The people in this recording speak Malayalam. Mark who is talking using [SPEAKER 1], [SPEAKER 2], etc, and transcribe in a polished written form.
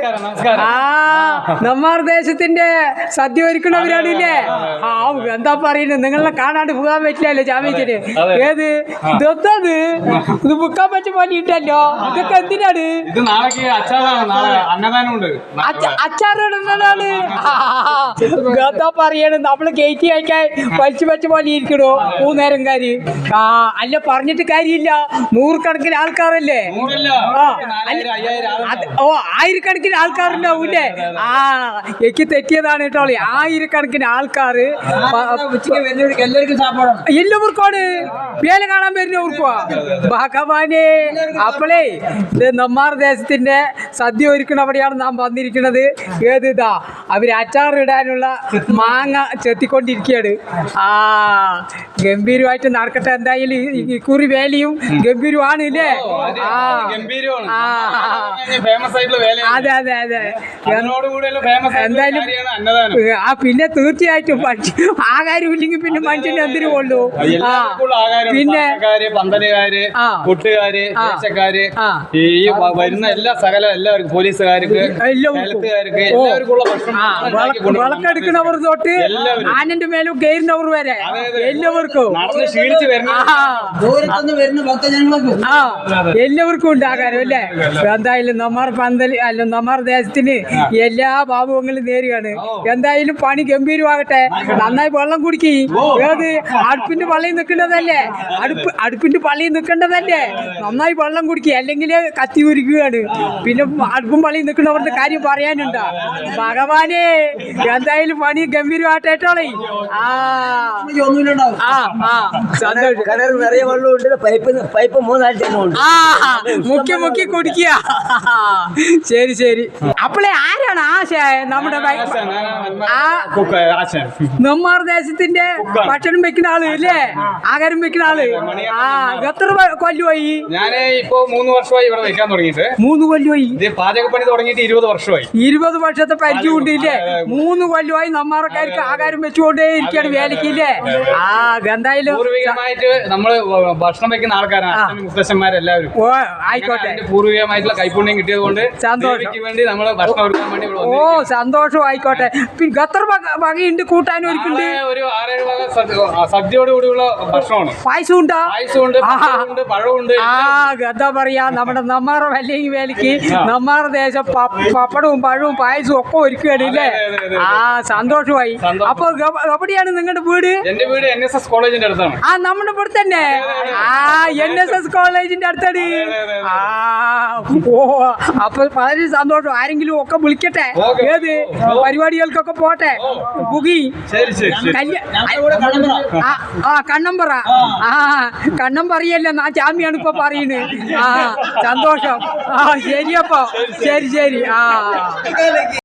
[SPEAKER 1] നമ്മാർ ദേശത്തിന്റെ സദ്യ ഒരുക്കണവരാണില്ലേ? എന്താ പറയുന്നത്, നിങ്ങളെ കാണാണ്ട് പോകാൻ പറ്റില്ലല്ലോ ജാമ്യത്തിന്. ഏത് ഇതൊത്തത് ഇത് മുക്കാൻ പറ്റും പോലെ ഉണ്ടല്ലോ. ഇതൊക്കെ എന്തിനാണ്? അച്ചാറിടുന്നതാണ്. എന്താ പറയണത്, നമ്മള് ഗേറ്റ് അയക്കാൻ വലിച്ചു വെച്ച പോലെ ഇരിക്കണോ മൂന്നേരംകാര്? അല്ല പറഞ്ഞിട്ട് കാര്യമില്ല, നൂറുകണക്കിന് ആൾക്കാരല്ലേ. ആയിരക്കണക്കിന് ആൾക്കാരുണ്ടാവൂല്ലേ? എനിക്ക് തെറ്റിയതാണ് കേട്ടോ. ആയിരക്കണക്കിന് ആൾക്കാര് എല്ലാവർക്കാണ് വേല കാണാൻ വരുന്നവർക്കുവാ. ഭഗവാനെ, അപ്പോളേ ഇത് നമ്മാർ ദേശത്തിന്റെ സദ്യ ഒരുക്കണ അവിടെയാണ് നാം വന്നിരിക്കുന്നത്. ഏതാ അവര് അച്ചാറിടാനുള്ള മാങ്ങ ചെത്തിക്കൊണ്ടിരിക്കുകയാണ്. ഗംഭീരമായിട്ട് നടക്കട്ടെ. എന്തായാലും ഇക്കുറി വേലയും ഗംഭീരമാണ് ഇല്ലേ? അതെ അതെ അതെ. എന്തായാലും പിന്നെ തീർച്ചയായിട്ടും ആകാരം ഇല്ലെങ്കിൽ പിന്നെ മനുഷ്യന് എന്തിനു കൊള്ളു. പിന്നെ
[SPEAKER 2] പന്തലുകാര്, കൂട്ടുകാര്, ദേശക്കാര്, ഈ വരുന്ന എല്ലാ എല്ലാവർക്കും, പോലീസുകാർക്ക്, ഹെൽത്തുകാർക്ക് എല്ലാവർക്കുള്ള
[SPEAKER 1] വിളക്കെടുക്കുന്നവർ തൊട്ട് ആനന്റെ മേലും കയറുന്നവർ വരെ എല്ലാവർക്കും എല്ലാവർക്കും ഉണ്ട് ആകാരം അല്ലേ? എന്തായാലും നമ്മാർ പന്തൽ അല്ല നമ്മാർ ദേശത്തിന് എല്ലാ ഭാവങ്ങളും നേരുകയാണ്. എന്തായാലും പണി ഗംഭീരമാകട്ടെ. നന്നായി വെള്ളം കുടിക്കി. ഏത് അടുപ്പിന്റെ പള്ളിയിൽ നിൽക്കേണ്ടതല്ലേ? അടുപ്പിന്റെ പള്ളിയിൽ നിൽക്കേണ്ടതല്ലേ? നന്നായി വെള്ളം കുടിക്കുക, അല്ലെങ്കിൽ കത്തി ഉരുക്കുകയാണ്. പിന്നെ അടുപ്പും പള്ളിയിൽ നിൽക്കുന്നവരുടെ കാര്യം പറയാനുണ്ടോ? ഭഗവാനെ, എന്തായാലും പണി ഗംഭീരമായിട്ടേ. മുക്കി മുക്കി കുടിക്കുക. ശരി ശരി. അപ്പോളെ ആരാണ് ആശ? നമ്മുടെ നമ്മാർ ദേശത്തിന്റെ ഭക്ഷണം വെക്കുന്ന ആള് അല്ലേ? ആഹാരം വെക്കുന്ന ആള്. എത്ര കൊല്ലമായി?
[SPEAKER 2] ഞാന് ഇപ്പൊ 3 വർഷമായി ഇവിടെ വെക്കാൻ തുടങ്ങിയിട്ട്.
[SPEAKER 1] 3 കൊല്ലമായി.
[SPEAKER 2] പാചകപ്പണി തുടങ്ങിയിട്ട് 20 വർഷമായി.
[SPEAKER 1] 20 വർഷത്തെ പരിചയം ഉണ്ടില്ലേ? 3 കൊല്ലമായി നമ്മാർക്കാർക്ക് ആഹാരം വെച്ചുകൊണ്ടേ ഇരിക്കുകയാണ് വേലക്കില്ലേ? എന്തായാലും
[SPEAKER 2] പൂർവികമായിട്ട് നമ്മള് ഭക്ഷണം വെക്കുന്ന ആൾക്കാരാണ് മുത്തശ്ശന്മാരെല്ലാവരും.
[SPEAKER 1] ആയിക്കോട്ടെ.
[SPEAKER 2] പൂർവികമായിട്ടുള്ള കൈപുണ്യം കിട്ടിയത് കൊണ്ട് സന്തോഷം വേണ്ടി നമ്മള് ഭക്ഷണം ഒരുക്കാൻ വേണ്ടി.
[SPEAKER 1] സന്തോഷം. ആയിക്കോട്ടെ. പിന്നെ എത്ര വകയുണ്ട് കൂട്ടാനും ഒരുക്കുണ്ട്?
[SPEAKER 2] ഒരു 6-7 വക സദ്യയോട് കൂടിയുള്ള ഭക്ഷണമാണ്.
[SPEAKER 1] പായസം ഉണ്ടോ?
[SPEAKER 2] പായസമുണ്ട്, പഴമുണ്ട്.
[SPEAKER 1] എന്താ പറയാ, നമ്മുടെ നമ്മാർ വല്ലെങ്കിൽ വേലക്ക് നമ്മാർ ദേശം പപ്പടവും പഴവും പായസവും ഒക്കെ ഒരുക്കുകയാണ് ഇല്ലേ? സന്തോഷമായി. അപ്പൊ എവിടെയാണ് നിങ്ങളുടെ വീട്?
[SPEAKER 2] എന്റെ വീട് NSS കോളേജിന്റെ അടുത്താണ്.
[SPEAKER 1] നമ്മുടെ ഇവിടെ തന്നെ. NSS കോളേജിന്റെ അടുത്താണ്. അപ്പൊ വളരെ സന്തോഷം. ആരെങ്കിലും ഒക്കെ വിളിക്കട്ടെ. ഏത് പരിപാടികൾക്കൊക്കെ പോട്ടെ. പുകി കണ്ണമ്പറ. കണ്ണമ്പറയല്ല, ആ ചാമിയാണ് ഇപ്പൊ പറയുന്നത്. സന്തോഷം. ശരിയപ്പോ. ശരി ശരി.